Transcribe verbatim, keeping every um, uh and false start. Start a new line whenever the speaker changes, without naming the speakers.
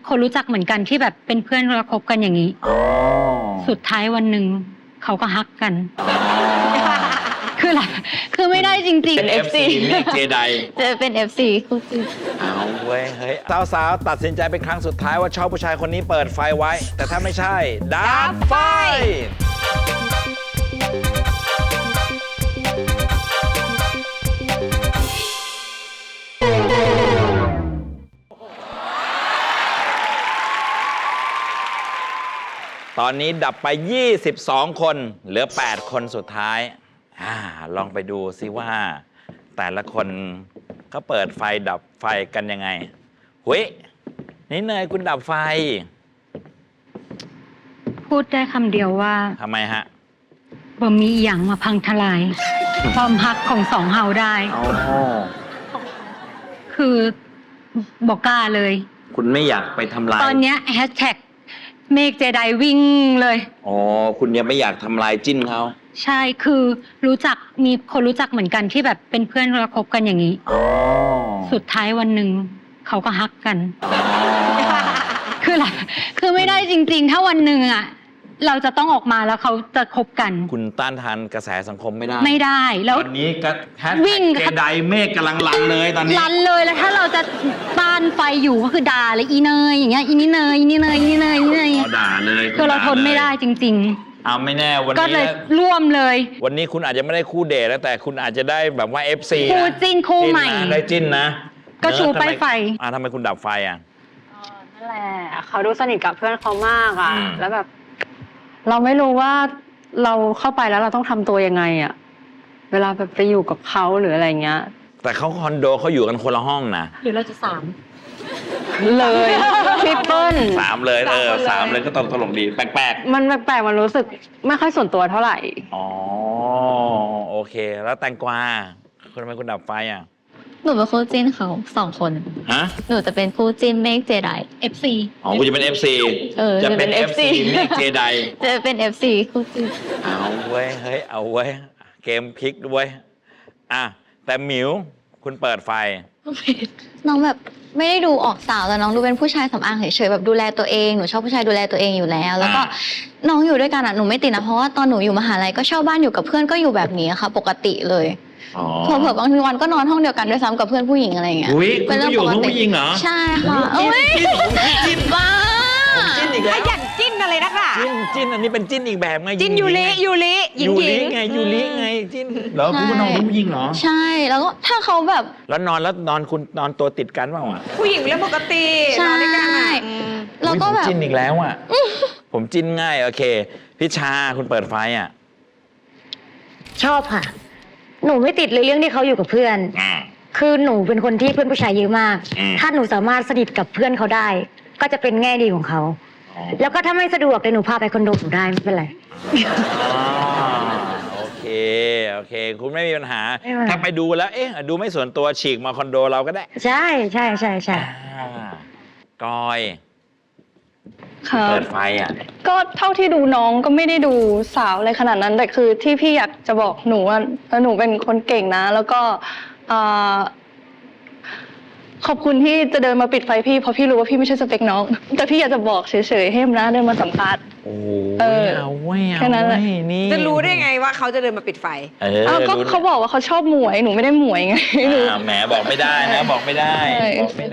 คนรู้จักเหมือนกันที่แบบเป็นเพื่อนแล้วคบกันอย่างนี้สุดท้ายวันหนึ่งเขาก็ฮักกันคืออะไรคือไม่ได้จริงๆ
เป็น เอฟ ซี เมฆเจได
จะเป็น เอฟ ซี คู่จริง
เอาเว้ยเฮ้ยสาวๆตัดสินใจเป็นครั้งสุดท้ายว่าชอบผู้ชายคนนี้เปิดไฟไว้แต่ถ้าไม่ใช่ดับไฟตอนนี้ดับไปยี่สิบสองคนเหลือแปดคนสุดท้ายอ่าลองไปดูซิว่าแต่ละคนเขาเปิดไฟดับไฟกันยังไงเฮ้ยนี่เนยคุณดับไฟ
พูดได้คำเดียวว่า
ทำไมฮะ
บ่มีอีหยังมาพังทลายความฮักของสองเฮาได้คือบอกกล้าเลย
คุณไม่อยากไปทำลาย
ตอนนี้แฮชแท็กเมฆเจไดวิ่งเลย
อ๋อคุณยังไม่อยากทำลายจิ้นเขา
ใช่คือรู้จักมีคนรู้จักเหมือนกันที่แบบเป็นเพื่อนแล้วคบกันอย่างนี้สุดท้ายวันหนึ่งเขาก็ฮักกันคืออะไรคือไม่ได้จริงๆถ้าวันหนึ่งอ่ะเราจะต้องออกมาแล้วเขาจะคบกัน
คุณต้านทานกระแสสังคมไม่ได้
ไม่ได้แล้ว
ตอนนี้ก็แฮชแท็กเจไดเมฆกำลังรันเลยตอนนี้
รันเลยแล้วถ้าเราจะต้านไฟอยู่ก็คือด่าเลยอีเนยอย่างเงี้ยอีนี่เนยอีนี่เนยอีนี่เนยอีนี่เนย
ด่าเลย
คือเราทนไม่ได้จริงๆ
เอาไม่แน่วันนี้
ก็เลยร่วมเลย
วันนี้คุณอาจจะไม่ได้คู่เดทแล้วแต่คุณอาจจะได้แบบว่า เอฟ ซี
คู่จิ้นคู่ใหม่
ได้จิ้นนะ
ก็ชูป้ายไฟ
อ่าทำไมคุณดับไฟอ่ะ
นั่นแหละเขาดูสนิทกับเพื่อนเขามากอ่ะแล้วแบบเราไม่รู้ว่าเราเข้าไปแล้วเราต้องทำตัวยังไงอ่ะเวลาแบบไปอยู่กับเขาหรืออะไรเงี้ย
แต่เขาคอนโดเขาอยู่กันคนละห้องนะ
หรือเราจะสาม
เลยทริปเปิล
สามเลยเออสามเลยก็ตลกตลกดีแปลก
ๆมันแปลกๆมันรู้สึกไม่ค่อยส่วนตัวเท่าไหร่
อ๋อโอเคแล้วแตงกวาคุณทำไมคุณดับไฟอ่ะ
หนูเป็นคู่จิ้นเขาสองคน
ฮะ
หนูจะเป็นคู่จิ้นเมฆเจได
เอฟ ซี
อ๋อคุณจะเป็น เอฟ ซี
เออ
จะเป็น เอฟ ซี เมฆเจได
จะเป็น เอฟ ซี คู่จิ้น
เอาเว้ยเฮ้ยเอาเว้ยเกมพลิกด้วยอ่ะแต่หมิวคุณเปิดไฟ
น้องแบบไม่ได้ดูออกสาวแต่น้องดูเป็นผู้ชายสำอางเฉยๆแบบดูแลตัวเองหนูชอบผู้ชายดูแลตัวเองอยู่แล้วแล้วก็น้องอยู่ด้วยกันอ่ะหนูไม่ติดนะเพราะว่าตอนหนูอยู่มหาลัยก็เช่าบ้านอยู่กับเพื่อนก็อยู่แบบนี้ค่ะปกติเลยเผื่อๆบางทีวันก็นอนห้องเดียวกันด้วยซ้ำกับเพื่อนผู้หญิงอะไรอย่างเงี้ย
เป็นเรื่องปกติผู้หญิงเหรอ
ใช่ค่ะเอ้ย
จิ้นบ้าจิ้นอีกแล้ว
ขยันจิ้นอะไรนักล่ะ
จิ้นจิ้นอันนี้เป็นจิ้นอีกแบบไง
จิ้นยูริยูริหญิงหญิง
ไงยูริไงจิ้นเหรอคุณนอนผู้หญิงเหรอ
ใช่แล้วก็ถ้าเขาแบบ
แล้วนอนแล้วนอนคุณนอนตัวติดกันเปล่าอ่ะ
ผู้หญิงเรื่องปกติ
ใช่แล้วก็แบบ
จิ้นอีกแล้วอ่ะผมจิ้นง่ายโอเคพิชาคุณเปิดไฟอ่ะ
ชอบค่ะหนูไม่ติดเลยเรื่องที่เขาอยู่กับเพื่อนคือหนูเป็นคนที่เพื่อนผู้ชายเยอะมากถ้าหนูสามารถสนิทกับเพื่อนเขาได้ก็จะเป็นแง่ดีของเขาแล้วก็ถ้าไม่สะดวกเลยหนูพาไปคอนโดหนูได้ไม่เป็นไร
โอเคโอเคคุณไม่มีปัญหาถ้าไปดูแล้วเอ๊ะดูไม่ส่วนตัวฉีกมาคอนโดเราก็ได้
ใช่ใช่ใช่ใช่
กอย
ค่ะ
เปิดไฟอ่ะ
ก็เท่าที่ดูน้องก็ไม่ได้ดูสาวอะไรขนาดนั้นแต่คือที่พี่อยากจะบอกหนูว่าหนูเป็นคนเก่งนะแล้วก็ขอบคุณที่จะเดินมาปิดไฟพี่เพราะพี่รู้ว่าพี่ไม่ใช่สเปคน้องแต่พี่อยากจะบอกเฉยๆให้มนะเดินมาสัมภาษณ์
โอ้ยเอาไว้เอาไว้นี่
จะรู้ได้ไงว่าเขาจะเดินมาปิดไฟ
เออ
ก็เขาบอกว่าเขาชอบหมวยหนูไม่ได้หมวยไง
หนูแหมบอกไม่ได้นะบอกไม่ได้